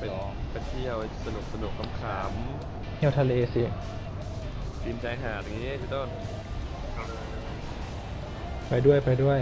ไปเที่ยวสนุกขำเที่ยวทะเลสิๆดินใจหาดอย่างงี้พี่ต้นไปด้วยไปด้วย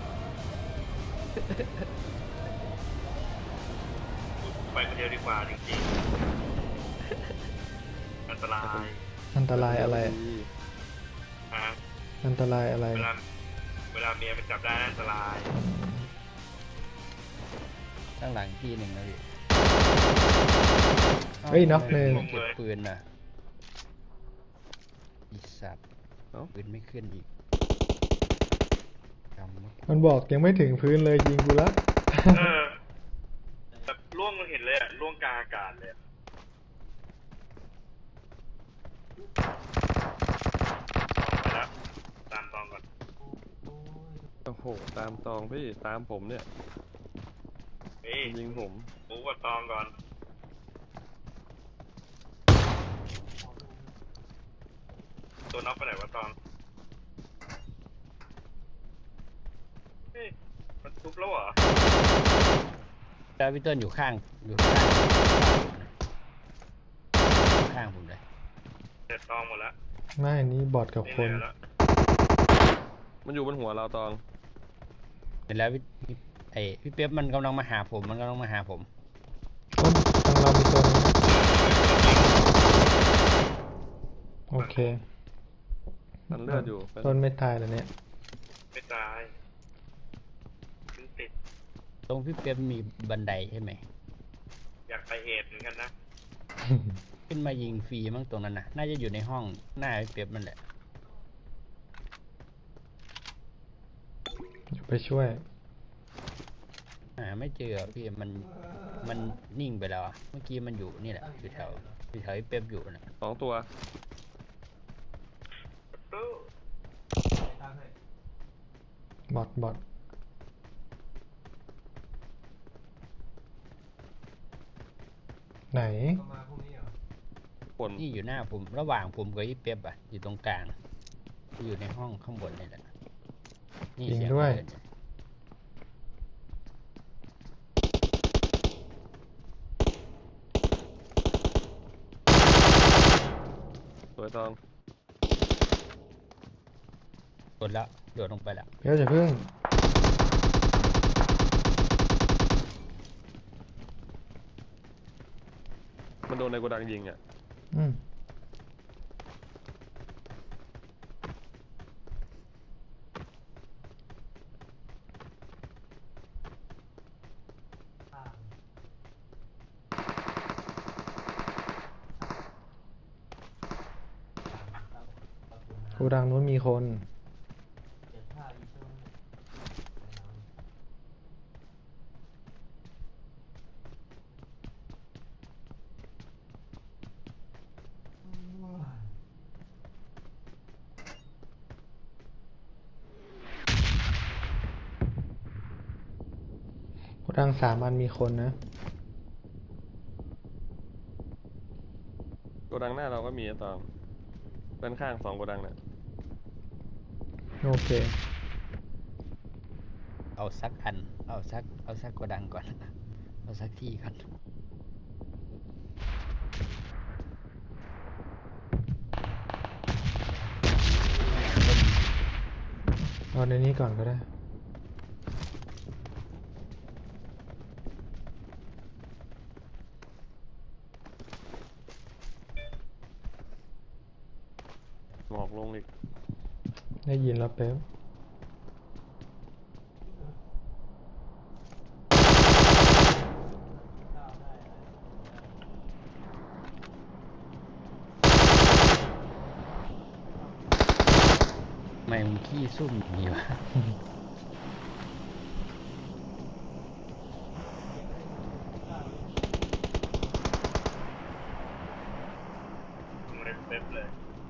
ไปคนเดียวดีกว่าจริงๆอันตรายอันตรายอะไรฮะอันตรายอะไรเวลาเมียมันจับได้อันตรายตั้งหลังที่หนึ่งนะพี่เฮ้ยน็อกหนึ่งเก็บปืนนะอีสัตว์ปืนไม่ขึ้นอีกจำมั้ยมันบอกยังไม่ถึงพื้นเลยยิงกูละแบบล่วงเราเห็นเลยอะล่วงกลางอากาศเลยไปแล้วตามตองก่อนโอ้โหตามตองพี่ตามผมเนี่ยนี่ยิงผมหมูกับตองก่อนตัวน็อกไปไหนวะตองเฮ้ยมันทุบแล้วเหรอแล้วพี่ต้นอยู่ข้างผมเลยเสร็จตองหมดแล้วไม่อันนี้บอทกับนี่คนเหลือแล้วมันอยู่บนหัวเราตองเสร็จแล้วพี่เป๊ยบมันกำลังมาหาผมต้นทางเรามีตัวนึงนะโอเคตันเลือดอยู่ต้นไม่ตายแล้วเนี่ยไม่ตายขึ้นติดตรงพี่เป๊ยบมีบันไดใช่ไหมอยากไปเอทเหมือนกันนะขึ้นมายิงฟรีมั้งตรงนั้นนะน่าจะอยู่ในห้องหน้าพี่เป๊ยบมันแหละไปช่วยไม่เจอพี่มันนิ่งไปแล้วอะเมื่อกี้มันอยู่นี่แหละอยู่แถวพี่เป๊ยบอยู่นะ 2 ตัวบอทไหนผลนี่อยู่หน้าผมระหว่างผมกับพี่เป๊ยบอะอยู่ตรงกลางอยู่ในห้องข้างบนนี่แหละนี่จริงเสียงด้วยเดินสวยตองกดแล้วโดดลงไปแล้วเดี๋ยวจะพึ่งมันโดนในโกดังยิงอ่ะอืมกูดังนู้นมีคน กูดัง3 อันมีคนนะโกดังหน้าเราก็มีอะตองด้านข้าง2โกดังเนี่ยโอเคเอาสักอันเอาสักกระดังก่อนเอาสักที่ก่อนเอาในนี้ก่อนก็ได้หมอกลงอีกได้ยินแล้วเป๊บไม่มึงขี้ซุ่มอย่างนี้วะเล่นเต็มเลย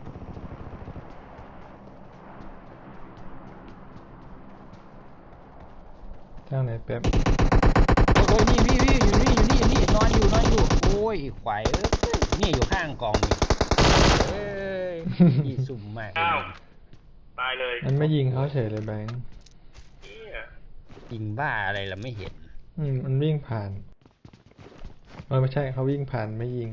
ทางไหนเป๊บโอ้ยนี่พี่อยู่นี่นอนอยู่โอ้ยขวายนี่อยู่ข้างกองนี่เอ้ยขี้ซุ่มมากเลยอ้าวตายเลยมันไม่ยิงเขาเฉยเลยแบงค์เนี่ยยิงบ้าอะไรล่ะไม่เห็นมันวิ่งผ่านไม่ใช่เขาวิ่งผ่านไม่ยิง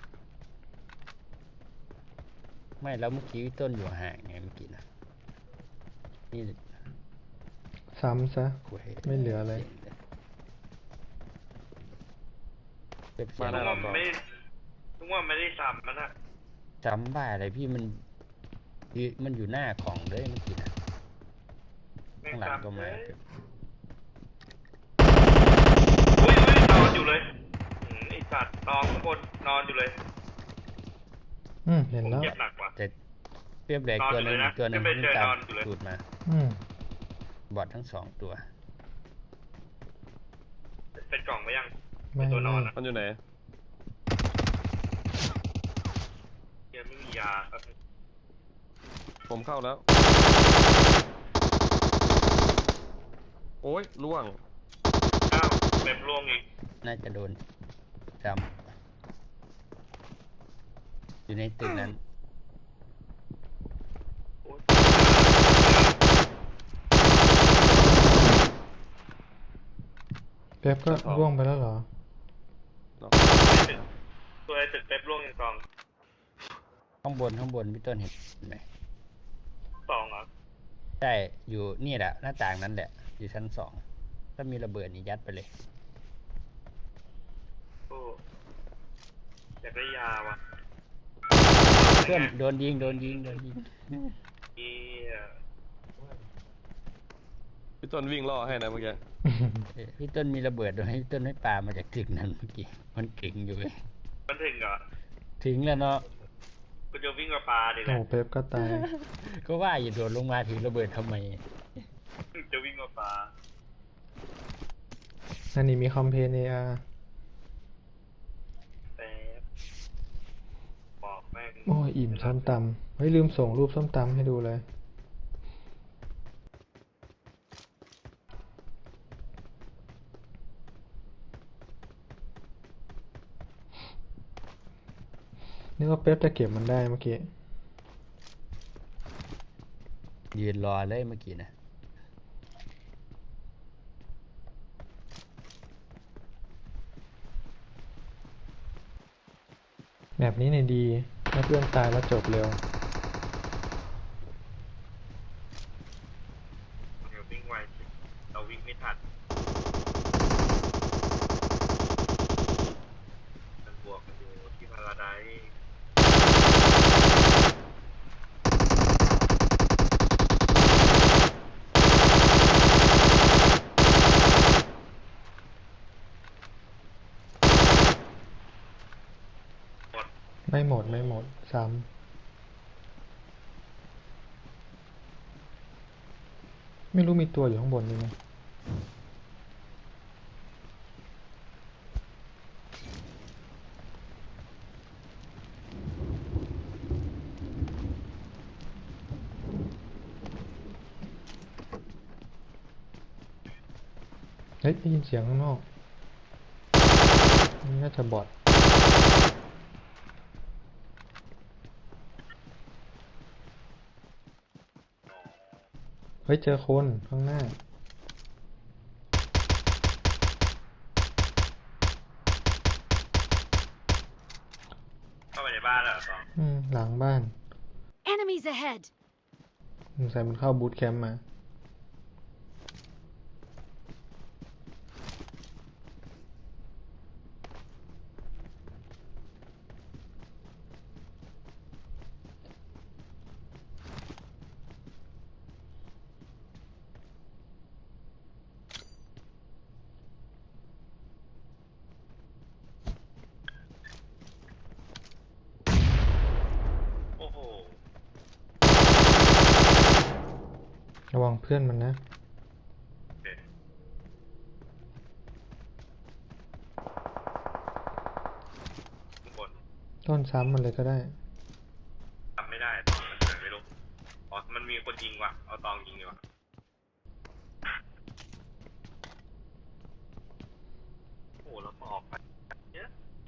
ไม่แล้วเมื่อกี้พี่ต้นอยู่ห่างไงเมื่อกี้นะนี่ซ้ำซะคุยไม่เหลือเลยเก็บเสีมายงได้ว่าแล้วมันต่อไม่นึกว่าไม่ได้ซ้ำมันอะจำบ้าอะไรพี่มันอยู่หน้ากล่องเลยเมื่อกี้นะไม่ข้างหลังก็ซ้ำเลมายอุ้ยนอนอยู่เลยไอสัตว์นอนข้างบนนอนอยู่เลยเห็นผมแล้วเจ็บหนักว่ะแต่เปรียบแหลกนอนตัวอยู่หนึงเลยนะตัวหนึงไม่ไปวิ่งเจอตามนอนอยู่เลยสูตรมาอืมบอดทั้งสองตัวเป็นกล่องไหมยังไม่ตัวนอนอะมันอยู่ไหนเดี๋ยังไม่มียาครับผมเข้าแล้ว โอ้ยล่วงอ้าวเต็มร่วงอีกน่าจะโดนจำอยู่ในตึกนั้นโอ๊ยเป๊ปก็ร่วงไปแล้วเหรอตัวไอ้ตึกเต็มร่วงอีกกล่องข้างบนพี่ต้นเห็นไหมสองเหรอใช่อยู่นี่แหละหน้าต่างนั้นแหละ อยู่ชั้นสองถ้ามีระเบิดนี่ยัดไปเลยโอ้อยากได้ยาว่ะเพื่อนโดนยิงเหี้ยพี่ต้นวิ่งล่อให้นะเมื่อกี้พี่ต้นมีระเบิดโดยให้พี่ต้นให้ปลามาจากตึกนั้นเมื่อกี้มันเก่งอยู่เลยมันถึงเหรอถึงแล้วเนาะกูจะวิ่งมาปลาดิแหโอ้ละเป๊ปก็ตายก็ว่าอย่าโดดลงมาถือระเบิดทำไมจะวิ่งมาปลาอันนี้มีคอมเพนเออาร์แต่บอกแม่งโอ้ยอิ่มส้มตำเฮ้ยลืมส่งรูปส้มตำให้ดูเลย นึกว่าเป๊ปจะเก็บมันได้เมื่อกี้ยืนรอเลยเมื่อกี้นะแบบนี้เนี่ยดีถ้าเพื่อนตายแล้วจบเร็วเดี๋ยววิ่งไวสิเราวิ่งไม่ทันมันบวกกันอยู่ที่พาราไดซ์หมดไม่หมดซ้ำไม่รู้มีตัวอยู่ข้างบนนี่ไหมเฮ้ยได้ยินเสียงข้างนอกนี่น่าจะบอทเฮ้ยเจอคนข้างหน้าเข้าไปในบ้านแล้วเหรอตองหลังบ้าน Enemies ahead! สงสัยมันเข้าบูตแคมป์มาโอ้โหระวังเพื่อนมันนะโอเคข้างบนต้นซ้ำมันเลยก็ได้ทำไม่ได้ตองมันเกิดไม่รู้อ๋อมันมีคนยิงว่ะเอาตองยิงดีกว่าโอ้โหแล้วพอออกไปเนี่ย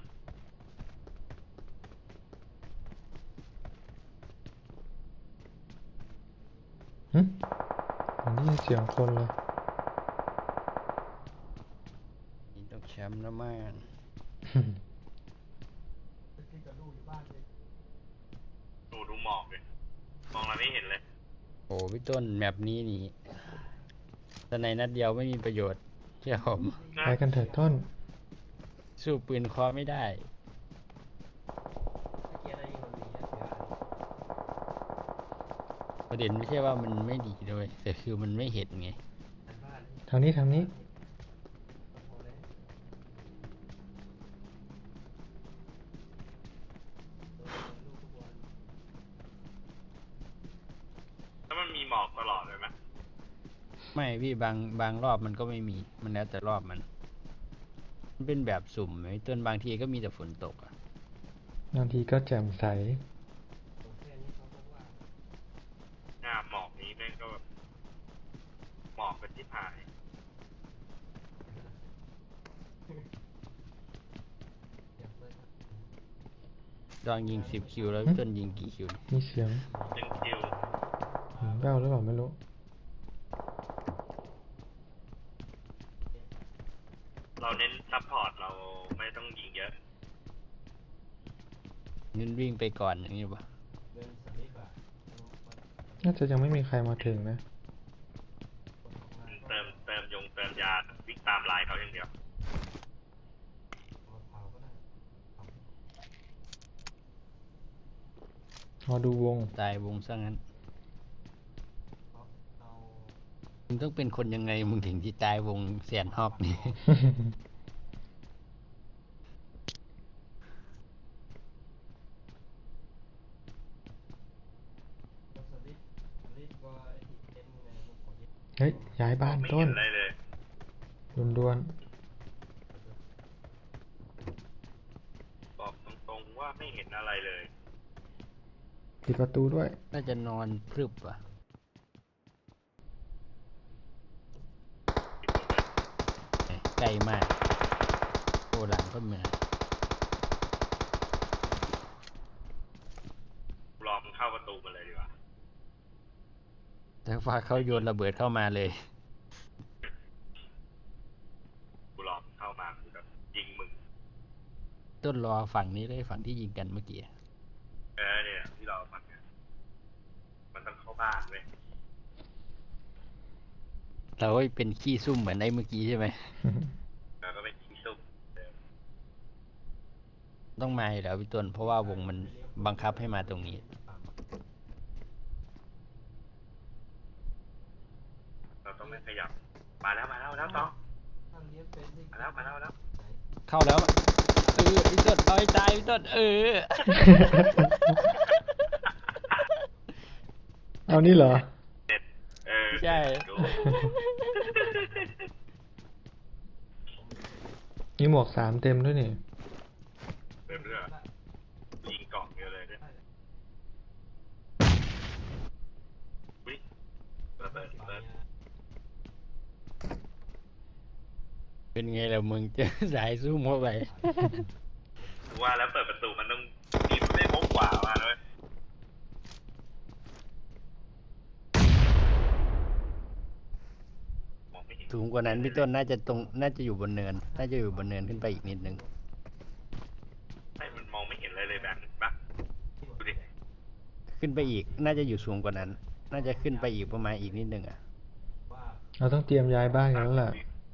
ผมได้ยินเสียงคนเลยนี่ต้องแชมป์แล้วมั้งดูหมอกเลยมองเราไม่เห็นเลยโอ้พี่ต้นแมปนี้นี่แต่ในนัดเดียวไม่มีประโยชน์เชื่อผมไปกันเถิดต้นสู้ปืนเคอไม่ได้ประเด็นไม่ใช่ว่ามันไม่ดีด้วยแต่คือมันไม่เห็นไงทางนี้ทางนี้แล้วมันมีหมอกตลอดเลยไหมไม่พี่บางรอบมันก็ไม่มีมันแล้วแต่รอบมันเป็นแบบสุ่มไอ้ต้นบางทีก็มีแต่ฝนตกอ่ะบางทีก็แจ่มใสหน้าหมอกนี้แม่งก็แบบหมอกเป็นที่ผายลองยิง10 คิวแล้วพี่ต้นยิงกี่คิวมีเสียงเป็นคิวแว่วหรือเปล่าไม่รู้เราเน้นซัพพอร์ตเราไม่ต้องยิงเยอะงั้นวิ่งไปก่อนอย่างนี้ป่ะน่าจะยังไม่มีใครมาถึงนะเติมยาวิ่งตามลายเขาอย่างเดียวรอดูวงตายวงซะงั้นมึงต้องเป็นคนยังไงมึงถึงที่ตายวงแสนฮอกนี่เฮ้ย ย้ายบ้านไม่ต้เห็นนอะไรเลยด่วนบอกตรงๆว่าไม่เห็นอะไรเลยๆปิดประตูด้วยน่าจะนอนพรึบอ่ะใกล้มากโอ้หลังก็เหมือนรอมึงเข้าประตูมาเลยดีกว่าแต่ว่าเขาโยนระเบิดเข้ามาเลยกูรอมึงเข้ามากูแบบยิงมึงต้นรอฝั่งนี้เลยฝั่งที่ยิงกันเมื่อกี้เนี่ยที่เราฟังเนี่ยมันต้องเข้าบ้านเว้ยเราก็เป็นขี้ซุ่มเหมือนไอ้เมื่อกี้ใช่ไหมแล้วก็ไปยิงซุ่มต้องมาอยู่แล้วพี่ต้นเพราะว่าวงมันบังคับให้มาตรงนี้เราต้องไม่ขยับมาแล้วต้องมาแล้วเข้าแล้วพี่ต้นเอาให้ตายพี่ต้นเอานี่เหรอใช่ดูมีหมวก3เต็มด้วยนี่เริ่มเรื่องยิงกล่องเยอะเลยเนี่ยอุ๊ยระเบิดเป็นไงล่ะมึงเจอสายซุ่มเข้าไปกูว่าแล้วเปิดประตูมันต้องมีมันไม่พกกว่ามาเลยมองไม่เห็นสูงกว่านั้นพี่ต้นน่าจะอยู่บนเนินขึ้นไปอีกนิดนึงไอ้มันมองไม่เห็นอะไรเลยแบบนี้ปะดูดิขึ้นไปอีกน่าจะอยู่สูงกว่านั้น น่าจะขึ้นไปอีกประมาณอีกนิดนึงอ่ะเราต้องเตรียมย้ายบ้านกันแล้วล่ะ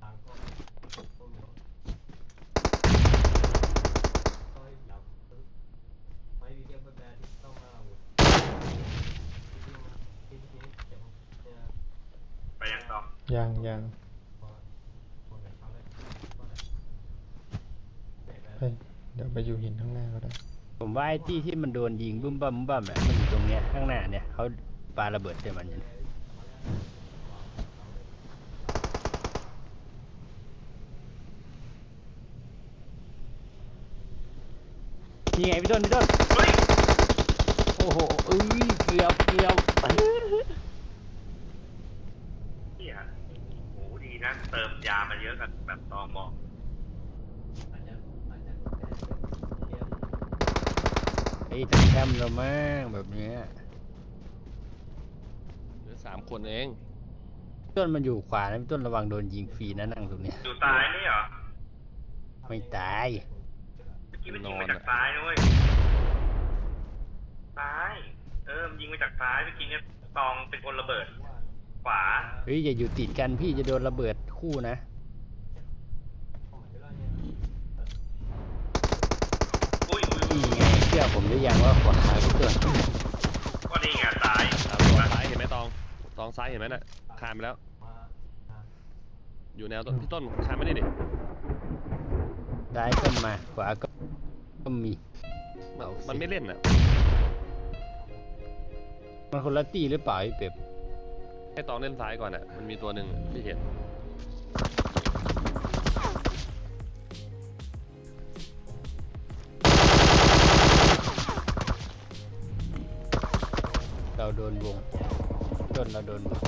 ไปยังต่อยังเฮ้ยเดี๋ยวไปอยู่หินข้างหน้าก็ได้ผมว่าไอ้ที่มันโดนยิงบึ้มบั่มอ่ะมันอยู่ตรงเนี้ยข้างหน้าเนี่ยเขาปาระเบิดใส่มันอยู่นี่ไงพี่ต้นเฮ้ยโอ้โหเกือบเฮียโหดีนะเติมยามาเยอะกันแบบตอมอไอ้ทำแคมป์เรามากแบบเนี้ยเหลือ3 คนเองต้นมันอยู่ขวานะพี่ต้นระวังโดนยิงฟรีนะนั่งตรงเนี้ยอยู่ซ้ายนี่เหรอไม่ตายอกี้มันยิงมาจากซ้ายนะเว้ยซ้ายมันยิงมาจากซ้ายเมื่อกี้เนี่ยตองเป็นคนระเบิดขวาเฮ้ยอย่าอยู่ติดกันพี่จะโดนระเบิดคู่นะอุ้ยนี่ไงเชื่อผมหรือยังว่าขวาพี่ต้นก็นี่ไงซ้ายซ้ายเห็นไหมตองซ้ายเห็นไหมน่ะคานไปแล้ว อยู่แนวต้นพี่ต้นคานไม่ได้ดิซ้ายก็มาขวาก็มีมันไม่เล่นอ่ะมันคนละตีหรือเปล่าพี่เป็บให้ตองเล่นซ้ายก่อนอ่ะมันมีตัวหนึ่งที่เห็นเราโดนวงต้นเราโดนวง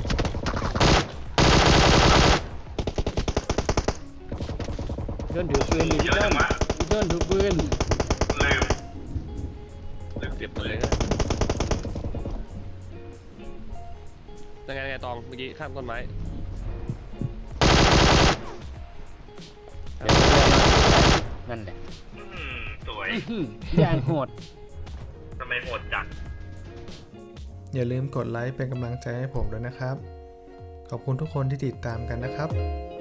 ต้นถือปืนดิเยอะจังวะต้นถือปืนลืมเก็บมันเลยก็ยังไงตองเมื่อกี้ข้ามต้นไม้นั่นแหละสวยอย่างโหดทำไมโหดจังอย่าลืมกดไลค์เป็นกำลังใจให้ผมด้วยนะครับ ขอบคุณทุกคนที่ติดตามกันนะครับ